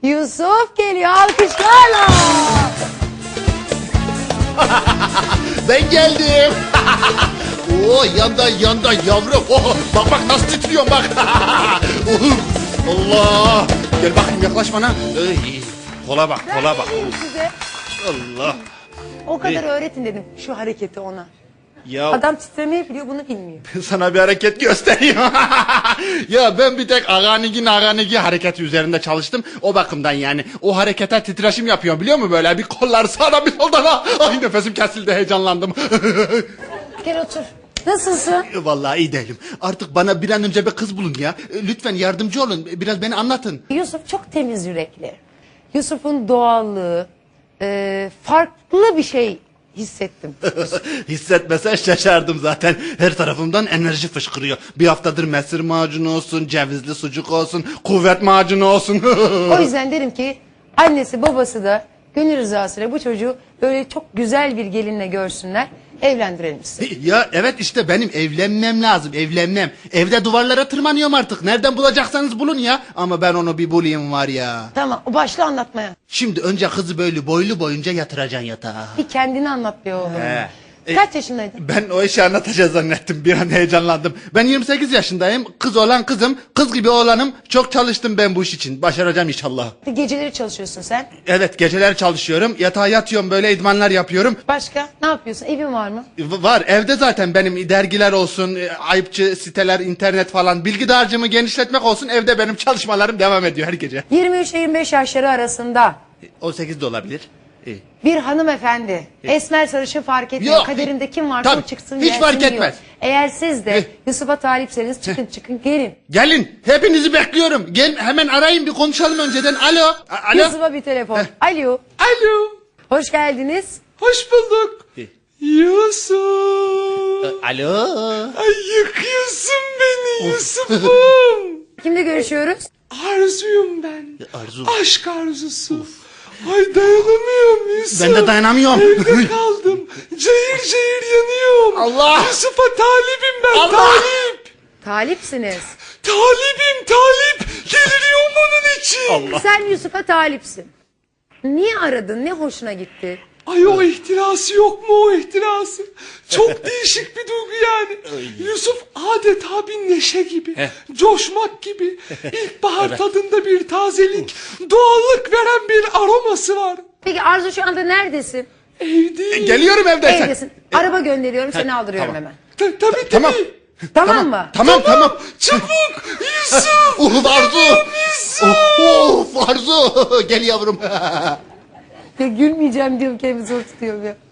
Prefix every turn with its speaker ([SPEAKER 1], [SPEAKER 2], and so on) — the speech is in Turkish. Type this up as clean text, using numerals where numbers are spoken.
[SPEAKER 1] Yusuf geliyor alkışlarla.
[SPEAKER 2] Ben geldim. Oo, yanda yavrum. Oh, bak nasıl titriyorum bak. Allah. Gel bakayım yaklaş bana. Ey, kola bak.
[SPEAKER 1] Ben vereyim size.
[SPEAKER 2] Allah.
[SPEAKER 1] O kadar öğretin dedim şu hareketi ona.
[SPEAKER 2] Ya
[SPEAKER 1] Adam titremeyi biliyor, bunu bilmiyor.
[SPEAKER 2] sana bir hareket göstereyim. Ya ben bir tek aganigi hareketi üzerinde çalıştım. O bakımdan yani. O harekete titreşim yapıyorum biliyor musun? Böyle bir kollar sağdan bir soldan. Ay nefesim kesildi, heyecanlandım.
[SPEAKER 1] Gel otur. Nasılsın?
[SPEAKER 2] Vallahi iyi değilim. Artık bana bir an önce bir kız bulun ya. Lütfen yardımcı olun. Biraz beni anlatın.
[SPEAKER 1] Yusuf çok temiz yürekli. Yusuf'un doğallığı, farklı bir şey hissettim.
[SPEAKER 2] Hissetmesen şaşardım zaten. Her tarafımdan enerji fışkırıyor. Bir haftadır mesir macunu olsun, cevizli sucuk olsun, kuvvet macunu olsun.
[SPEAKER 1] O yüzden derim ki annesi babası da gönül rızasıyla bu çocuğu böyle çok güzel bir gelinle görsünler. Evlendirelim sizi.
[SPEAKER 2] Ya evet işte benim evlenmem lazım, evlenmem. Evde duvarlara tırmanıyorum artık. Nereden bulacaksanız bulun ya. Ama ben onu bir bulayım var ya.
[SPEAKER 1] Tamam, başla anlatmaya.
[SPEAKER 2] Şimdi önce kızı böyle boylu boyunca yatıracaksın yatağa.
[SPEAKER 1] Bir kendini anlat be oğlum.
[SPEAKER 2] He.
[SPEAKER 1] Kaç yaşındaydın?
[SPEAKER 2] Ben o işi anlatacağız zannettim. Bir an heyecanlandım. Ben 28 yaşındayım. Kız olan kızım. Kız gibi oğlanım. Çok çalıştım ben bu iş için. Başaracağım inşallah.
[SPEAKER 1] Geceleri çalışıyorsun sen.
[SPEAKER 2] Evet geceler çalışıyorum. Yatağa yatıyorum böyle idmanlar yapıyorum.
[SPEAKER 1] Başka ne yapıyorsun? Evin var mı?
[SPEAKER 2] Var evde zaten benim dergiler olsun, ayıpçı siteler, internet falan. Bilgi dağarcığımı genişletmek olsun. Evde benim çalışmalarım devam ediyor her gece.
[SPEAKER 1] 23-25 yaşları arasında
[SPEAKER 2] 18 de olabilir. İyi.
[SPEAKER 1] bir hanımefendi, esmer sarışın fark etmiyor.
[SPEAKER 2] Yok.
[SPEAKER 1] Kaderinde kim varsa
[SPEAKER 2] Tabii,
[SPEAKER 1] o çıksın
[SPEAKER 2] hiç
[SPEAKER 1] gelsin
[SPEAKER 2] fark
[SPEAKER 1] diyor.
[SPEAKER 2] etmez.
[SPEAKER 1] Eğer siz de Yusuf'a talipseniz çıkın gelin.
[SPEAKER 2] Gelin hepinizi bekliyorum. Gel hemen arayın bir konuşalım önceden. Alo. Alo.
[SPEAKER 1] Yusuf'a bir telefon. Alo.
[SPEAKER 2] Alo.
[SPEAKER 1] Hoş geldiniz.
[SPEAKER 2] Hoş bulduk. Yusuf. Alo.
[SPEAKER 3] Ay yıkıyorsun beni Yusuf'um.
[SPEAKER 1] Kimle görüşüyoruz?
[SPEAKER 3] Arzuyum ben.
[SPEAKER 2] Arzu.
[SPEAKER 3] Aşk arzusu. Ay dayanamıyorum Yusuf.
[SPEAKER 2] Ben de dayanamıyorum.
[SPEAKER 3] Evde kaldım. Cayır cayır yanıyorum.
[SPEAKER 2] Allah.
[SPEAKER 3] Yusuf'a talibim ben
[SPEAKER 2] Allah.
[SPEAKER 3] talip.
[SPEAKER 1] Talipsiniz.
[SPEAKER 3] Talibim talip. Deliriyorum onun için.
[SPEAKER 2] Allah.
[SPEAKER 1] Sen Yusuf'a talipsin. Niye aradın? Ne hoşuna gitti?
[SPEAKER 3] Ay o ihtirası yok mu o ihtirası? Çok değişik bir duygu yani. Yusuf adeta bir neşe gibi. Coşmak gibi. İlkbahar tadında bir tazelik. Doğallık veren bir aroması var.
[SPEAKER 1] Peki Arzu şu anda neredesin?
[SPEAKER 3] Evdeyim.
[SPEAKER 2] Geliyorum evdeysen.
[SPEAKER 1] Evdesin. Araba gönderiyorum, seni aldırıyorum
[SPEAKER 2] tamam.
[SPEAKER 1] hemen.
[SPEAKER 3] Tabii.
[SPEAKER 2] Tamam.
[SPEAKER 1] Tamam mı?
[SPEAKER 2] Tamam.
[SPEAKER 3] Çabuk Yusuf.
[SPEAKER 2] Arzu.
[SPEAKER 3] Yusuf.
[SPEAKER 2] Arzu. Gel yavrum.
[SPEAKER 1] Ya gülmeyeceğim diyorum, kendimi zor tutuyorum ya.